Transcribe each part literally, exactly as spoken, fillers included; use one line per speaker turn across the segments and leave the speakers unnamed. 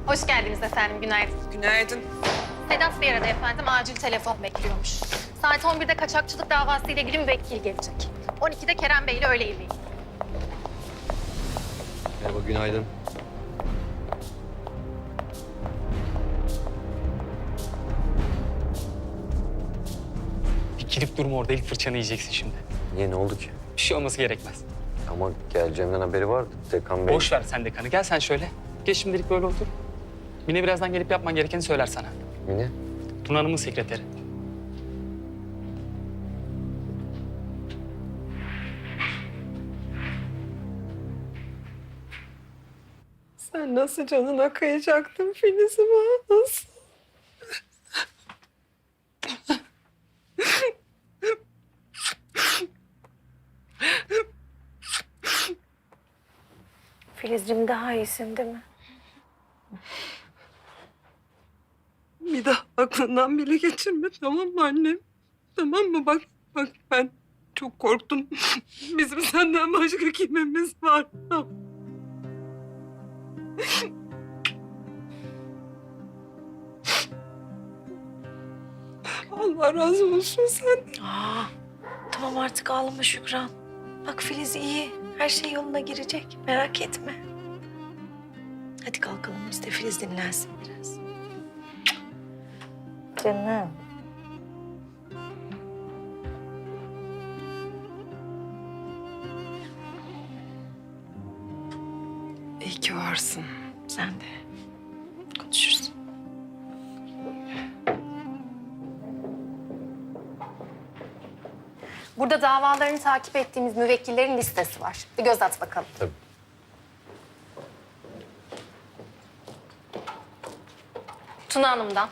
Hoş geldiniz efendim, günaydın.
Günaydın.
Sedat Bey aradı efendim, acil telefon bekliyormuş. Saat on birde kaçakçılık davası ile ilgili müvekkil gelecek. on ikide Kerem Bey ile öğle yemeği.
Merhaba, günaydın.
Bir girip durma orada, ilk fırçanı yiyeceksin şimdi.
Niye, ne oldu ki?
Bir şey olması gerekmez.
Ama geleceğimden haberi vardı. Dekan Bey...
Boş ver sen dekanı, gel sen şöyle. Geç şimdilik böyle otur. Mine birazdan gelip yapman gerekeni söyler sana.
Mine?
Tuna Hanım'ın sekreteri.
Sen nasıl canına kıyacaktın Filiz'ime? Nasıl?
Filizciğim daha iyisin değil mi?
Bir daha aklından bile geçirme, tamam mı annem? Tamam mı? Bak, bak ben çok korktum. Bizim senden başka kimimiz var? Allah razı olsun sen.
Aa, tamam artık ağlama Şükran. Bak Filiz iyi. Her şey yoluna girecek. Merak etme. Hadi kalkalım biz de Filiz dinlensin biraz. Canım.
İyi ki varsın.
Sen de. Konuşuruz.
Burada davalarını takip ettiğimiz müvekkillerin listesi var. Bir göz at bakalım.
Tabii.
Tuna Hanım'dan.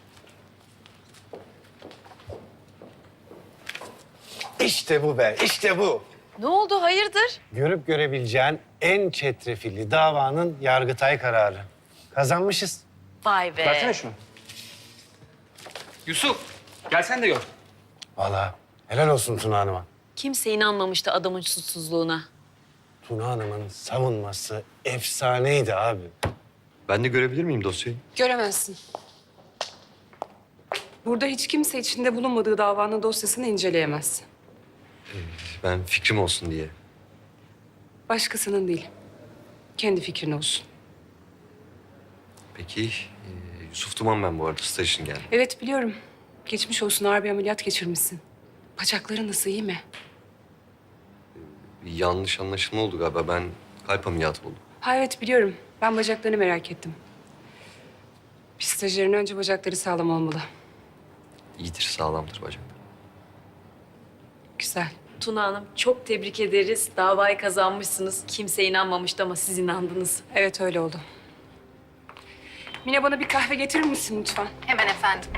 İşte bu be, işte bu.
Ne oldu hayırdır?
Görüp görebileceğin en çetrefilli davanın Yargıtay kararı. Kazanmışız.
Vay be.
Versene şunu. Yusuf, gel sen de gör.
Vallahi helal olsun Tuna Hanım'a.
Kimse inanmamıştı adamın suçsuzluğuna.
Tuna Hanım'ın savunması efsaneydi abi.
Ben de görebilir miyim dosyayı?
Göremezsin. Burada hiç kimse içinde bulunmadığı davanın dosyasını inceleyemez.
Ben fikrim olsun diye.
Başkasının değil. Kendi fikrin olsun.
Peki, e, Yusuf Duman ben bu arada. Staj için geldim.
Evet biliyorum. Geçmiş olsun, ağır bir ameliyat geçirmişsin. Bacakların nasıl, iyi mi?
Bir yanlış anlaşılma oldu galiba. Ben kalp ameliyatı oldum.
Ha evet biliyorum. Ben bacaklarını merak ettim. Bir stajyerin önce bacakları sağlam olmalı.
İyidir, sağlamdır bacak.
Güzel.
Tuna Hanım çok tebrik ederiz. Davayı kazanmışsınız. Kimse inanmamıştı ama siz inandınız.
Evet öyle oldu. Mine bana bir kahve getirir misin lütfen?
Hemen efendim.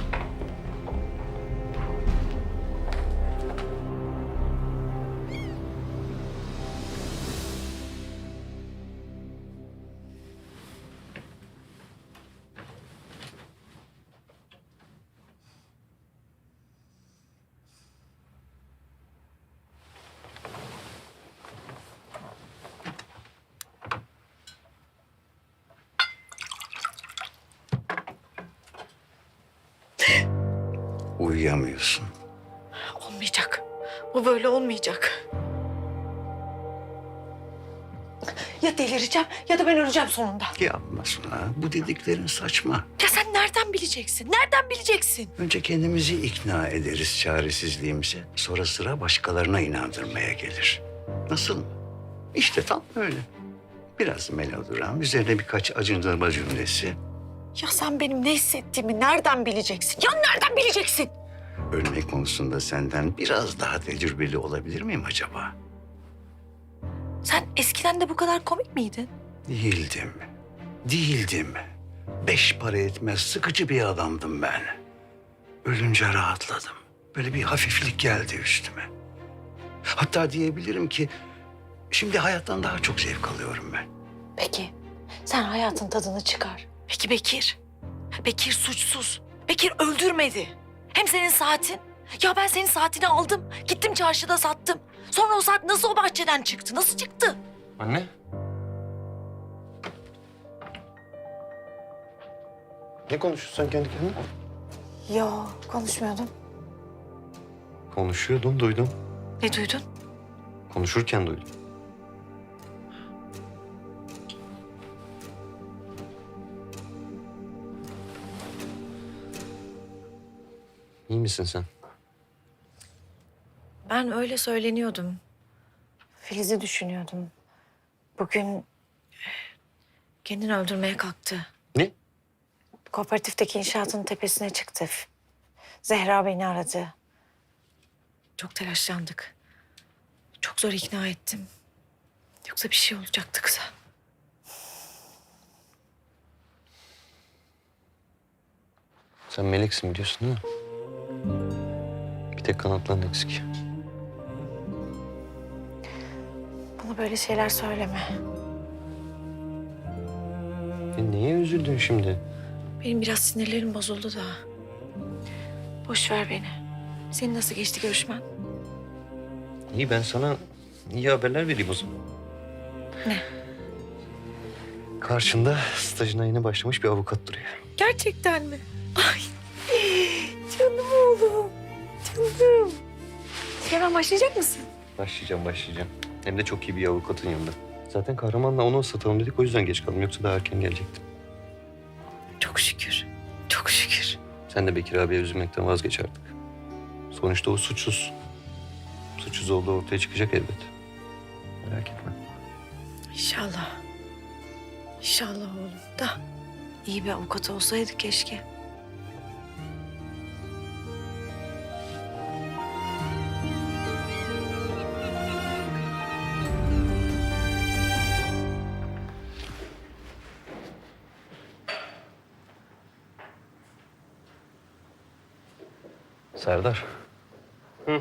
Uyuyamıyorsun.
Olmayacak. Bu böyle olmayacak. Ya delireceğim ya da ben öleceğim sonunda.
Yapma Suna. Bu dediklerin saçma.
Ya sen nereden bileceksin? Nereden bileceksin?
Önce kendimizi ikna ederiz çaresizliğimize. Sonra sıra başkalarına inandırmaya gelir. Nasıl mı? İşte tam öyle. Biraz melodram, üzerine birkaç acındırma cümlesi.
Ya sen benim ne hissettiğimi nereden bileceksin? Ya nereden bileceksin?
Ölme konusunda senden biraz daha tecrübeli olabilir miyim acaba?
Sen eskiden de bu kadar komik miydin?
Değildim. Değildim. Beş para etmez sıkıcı bir adamdım ben. Ölünce rahatladım. Böyle bir hafiflik geldi üstüme. Hatta diyebilirim ki şimdi hayattan daha çok zevk alıyorum ben.
Peki sen hayatın tadını çıkar. Peki Bekir? Bekir suçsuz. Bekir öldürmedi. Hem senin saatin. Ya ben senin saatini aldım. Gittim çarşıda sattım. Sonra o saat nasıl o bahçeden çıktı? Nasıl çıktı?
Anne? Ne konuşuyorsun sen kendi kendine?
Yo, konuşmuyordum.
Konuşuyordun, duydum.
Ne duydun?
Konuşurken duydum. İyi misin sen?
Ben öyle söyleniyordum. Filiz'i düşünüyordum. Bugün kendini öldürmeye kalktı.
Ne?
Kooperatifteki inşaatın tepesine çıktı. Zehra beni aradı. Çok telaşlandık. Çok zor ikna ettim. Yoksa bir şey olacaktı kıza.
Sen meleksin biliyorsun değil mi? Bir tek kanatların eksik.
Bana böyle şeyler söyleme.
E niye üzüldün şimdi?
Benim biraz sinirlerim bozuldu da. Boş ver beni. Senin nasıl geçti görüşmen?
İyi, ben sana iyi haberler vereyim o zaman.
Ne?
Karşında stajına yeni başlamış bir avukat duruyor.
Gerçekten mi? Ay canım oğlum. Canım. Hemen başlayacak mısın?
Başlayacağım, başlayacağım. Hem de çok iyi bir avukatın yanında. Zaten Kahraman'la onu ıslatalım dedik, o yüzden geç kaldım. Yoksa daha erken gelecektim.
Çok şükür. Çok şükür.
Sen de Bekir abiye üzülmekten vazgeç artık. Sonuçta o suçsuz. Suçsuz olduğu ortaya çıkacak elbet. Merak etme.
İnşallah. İnşallah oğlum da iyi bir avukat olsaydı keşke.
Serdar. Hı.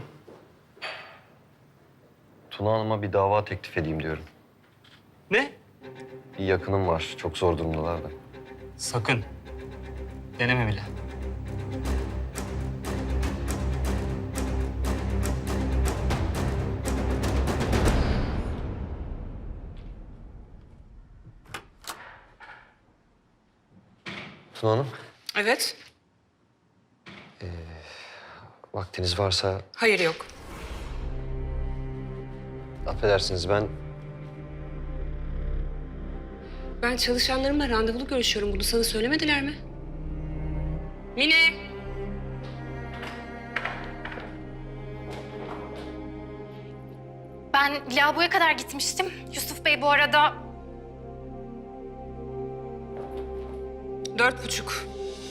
Tuna Hanım'a bir dava teklif edeyim diyorum.
Ne?
Bir yakınım var. Çok zor durumdalar da.
Sakın. Deneme bile.
Tuna Hanım,
Evet.
vaktiniz varsa
Hayır yok.
affedersiniz ben...
Ben çalışanlarımla randevulu görüşüyorum. Bunu sana söylemediler mi? Mine!
Ben lavaboya kadar gitmiştim. Yusuf Bey bu arada
Dört buçuk.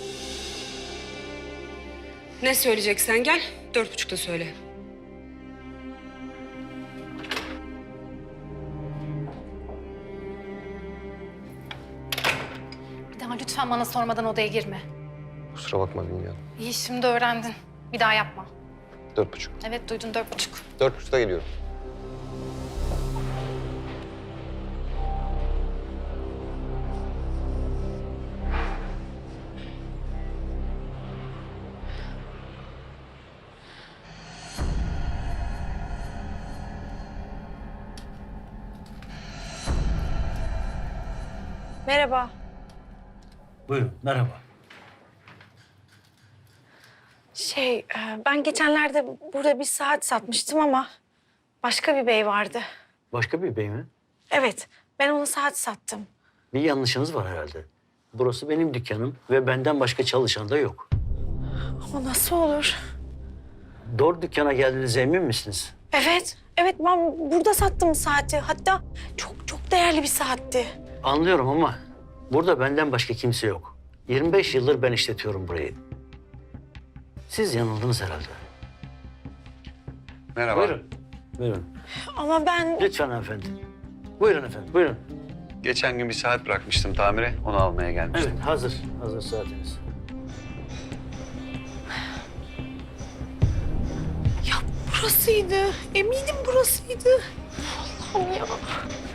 Ne söyleyeceksen gel. Dört buçukta söyle.
bir daha lütfen bana sormadan odaya girme.
Kusura bakma, bilmiyorum.
İyi, şimdi öğrendin. Bir daha yapma.
Dört buçuk.
Evet, duydun, dört buçuk.
Dört buçukta geliyorum.
Merhaba.
Buyurun, merhaba.
Şey, e, ben geçenlerde burada bir saat satmıştım ama başka bir bey vardı.
Başka bir bey mi?
Evet, ben ona saat sattım.
Bir yanlışınız var herhalde. Burası benim dükkanım ve benden başka çalışan da yok.
Ama nasıl olur?
Doğru dükkana geldiğinize emin misiniz?
Evet, evet ben burada sattım saati. Hatta çok çok değerli bir saatti.
Anlıyorum ama burada benden başka kimse yok. yirmi beş yıldır ben işletiyorum burayı. Siz yanıldınız herhalde.
Merhaba.
Buyurun. Buyurun.
Ama ben...
Lütfen hanımefendi. Buyurun efendim, buyurun.
Geçen gün bir saat bırakmıştım tamire. Onu almaya gelmiştim.
Evet, hazır. Hazır saatiniz.
Ya burasıydı. Eminim burasıydı. Allah'ım ya.